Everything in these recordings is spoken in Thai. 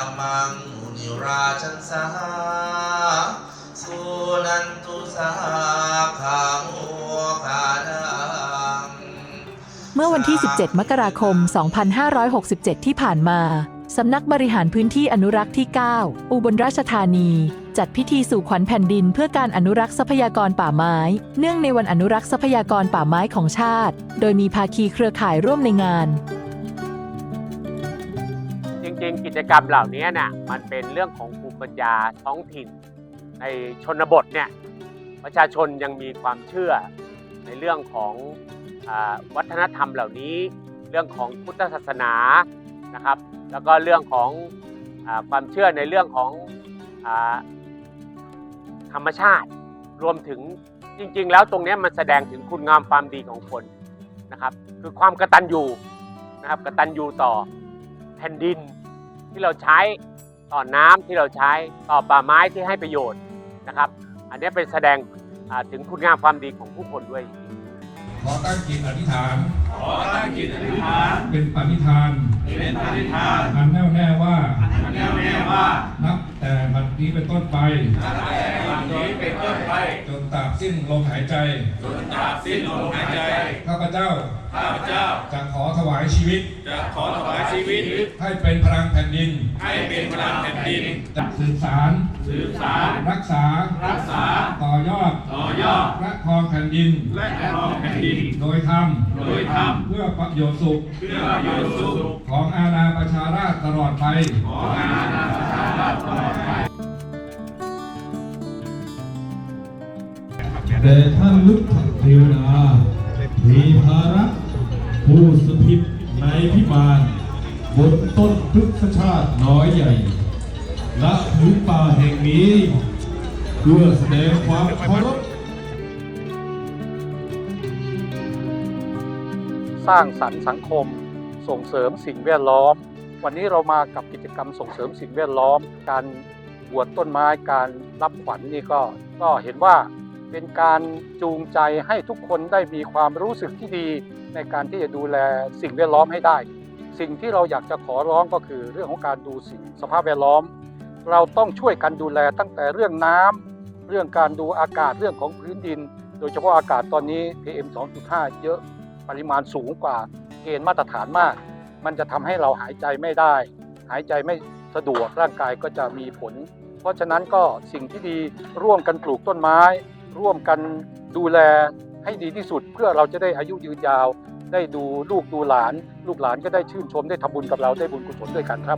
มังมุนิราชันสาสุนันตุสาขาโมคานังเมื่อวันที่ 17 มกราคม 2567 ที่ผ่านมาสำนักบริหารพื้นที่อนุรักษ์ที่ 9 อุบลราชธานีจัดพิธีสู่ขวัญแผ่นดินเพื่อการอนุรักษ์ทรัพยากรป่าไม้เนื่องในวันอนุรักษ์ทรัพยากรป่าไม้ของชาติโดยมีภาคีเครือข่ายร่วมในงานจริงๆกิจกรรมเหล่านี้น่ะมันเป็นเรื่องของภูมิปัญญาท้องถิ่นในชนบทเนี่ยประชาชนยังมีความเชื่อในเรื่องของวัฒนธรรมเหล่านี้เรื่องของพุทธศาสนานะครับแล้วก็เรื่องของความเชื่อในเรื่องของธรรมชาติรวมถึงจริงๆแล้วตรงนี้มันแสดงถึงคุณงามความดีของคนนะครับคือความกตัญญูนะครับกตัญญูต่อแผ่นดินที่เราใช้ต่อน้ำที่เราใช้ต่อป่าไม้ที่ให้ประโยชน์นะครับอันนี้เป็นแสดงถึงคุณงามความดีของผู้คนด้วยขอตั้งจิตอธิษฐาน เป็นปณิธาน อันแน่วแน่ว่า นับแต่บัดนี้เป็นต้นไป จนตราบสิ้นลมหายใจ ข้าพเจ้า จะขอถวายชีวิต ให้เป็นพลังแผ่นดิน จะสืบสาร รักษา ต่อยอด และครองแผ่นดิน โดยธรรม เพื่อประโยชน์สุข ของอาณาประชาราษฎร์ตลอดไปแต่ท่านลุกเทวดามีภาระผู้สถิตในพิมานบนต้นพฤกษชาติน้อยใหญ่ณพื้นป่าแห่งนี้เพื่อแสดงความเคารพสร้างสรรค์สังคมส่งเสริมสิ่งแวดล้อมวันนี้เรามากับกิจกรรมส่งเสริมสิ่งแวดล้อมการบวชต้นไม้การรับขวัญนี่ก็เห็นว่าเป็นการจูงใจให้ทุกคนได้มีความรู้สึกที่ดีในการที่จะดูแลสิ่งแวดล้อมให้ได้สิ่งที่เราอยากจะขอร้องก็คือเรื่องของการดูสิ่งสภาพแวดล้อมเราต้องช่วยกันดูแลตั้งแต่เรื่องน้ำเรื่องการดูอากาศเรื่องของพื้นดินโดยเฉพาะอากาศตอนนี้ PM 2.5 เยอะปริมาณสูงกว่าเกณฑ์มาตรฐานมากมันจะทำให้เราหายใจไม่ได้หายใจไม่สะดวกร่างกายก็จะมีผลเพราะฉะนั้นก็สิ่งที่ดีร่วมกันปลูกต้นไม้ร่วมกันดูแลให้ดีที่สุดเพื่อเราจะได้อายุยืนยาวได้ดูลูกดูหลานลูกหลานก็ได้ชื่นชมได้ทำบุญกับเราได้บุญกุศลด้วยกันครับ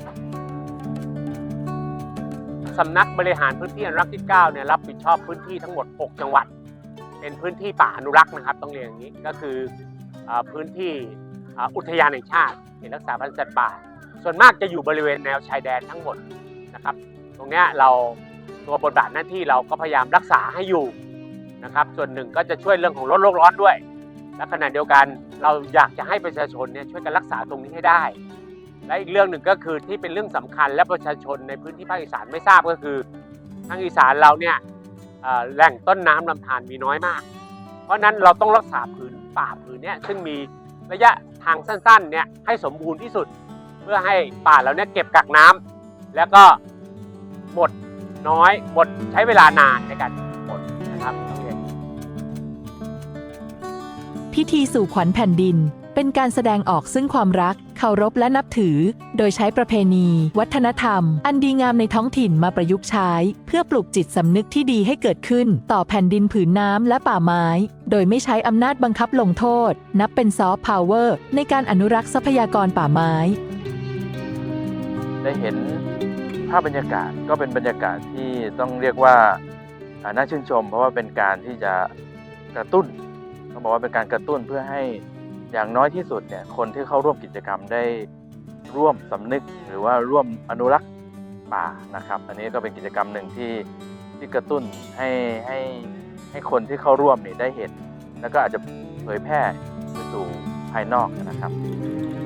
สำนักบริหารพื้นที่อนุรักษ์ที่ 9 เนี่ยรับผิดชอบพื้นที่ทั้งหมด 6 จังหวัดเป็นพื้นที่ป่าอนุรักษ์นะครับต้องเรียนอย่างนี้ก็คือพื้นที่อุทยานแห่งชาติเขตรักษาพันธุ์สัตว์ป่าส่วนมากจะอยู่บริเวณแนวชายแดนทั้งหมดนะครับตรงนี้เราตัวบทบาทหน้าที่เราก็พยายามรักษาให้อยู่นะครับส่วนหนึ่งก็จะช่วยเรื่องของลดโลกร้อนด้วยและขณะเดียวกันเราอยากจะให้ประชาชนเนี่ยช่วยกันรักษาตรงนี้ให้ได้และอีกเรื่องหนึ่งก็คือที่เป็นเรื่องสำคัญและประชาชนในพื้นที่ภาคอีสานไม่ทราบก็คือทางอีสานเราเนี่ยแหล่งต้นน้ำลำธารมีน้อยมากเพราะนั้นเราต้องรักษาผืนป่าผืนนี้ซึ่งมีระยะทางสั้นๆเนี่ยให้สมบูรณ์ที่สุดเพื่อให้ป่าเราเนี่ยเก็บกักน้ำแล้วก็หมดน้อยหมดใช้เวลานานในการหมดนะครับพิธีสู่ขวัญแผ่นดินเป็นการแสดงออกซึ่งความรักเคารพและนับถือโดยใช้ประเพณีวัฒนธรรมอันดีงามในท้องถิ่นมาประยุกต์ใช้เพื่อปลุกจิตสำนึกที่ดีให้เกิดขึ้นต่อแผ่นดินผืนน้ำและป่าไม้โดยไม่ใช้อำนาจบังคับลงโทษนับเป็นซอฟต์พาวเวอร์ในการอนุรักษ์ทรัพยากรป่าไม้ได้เห็นภาพบรรยากาศก็เป็นบรรยากาศที่ต้องเรียกว่าน่าชื่นชมเพราะว่าเป็นการที่จะกระตุ้นต้องบอกว่าเป็นการกระตุ้นเพื่อให้อย่างน้อยที่สุดเนี่ยคนที่เข้าร่วมกิจกรรมได้ร่วมสำนึกหรือว่าร่วมอนุรักษ์ป่านะครับอันนี้ก็เป็นกิจกรรมหนึ่งที่กระตุ้นให้คนที่เข้าร่วมนี่ได้เห็นแล้วก็อาจจะเผยแพร่ไปสู่ภายนอกนะครับ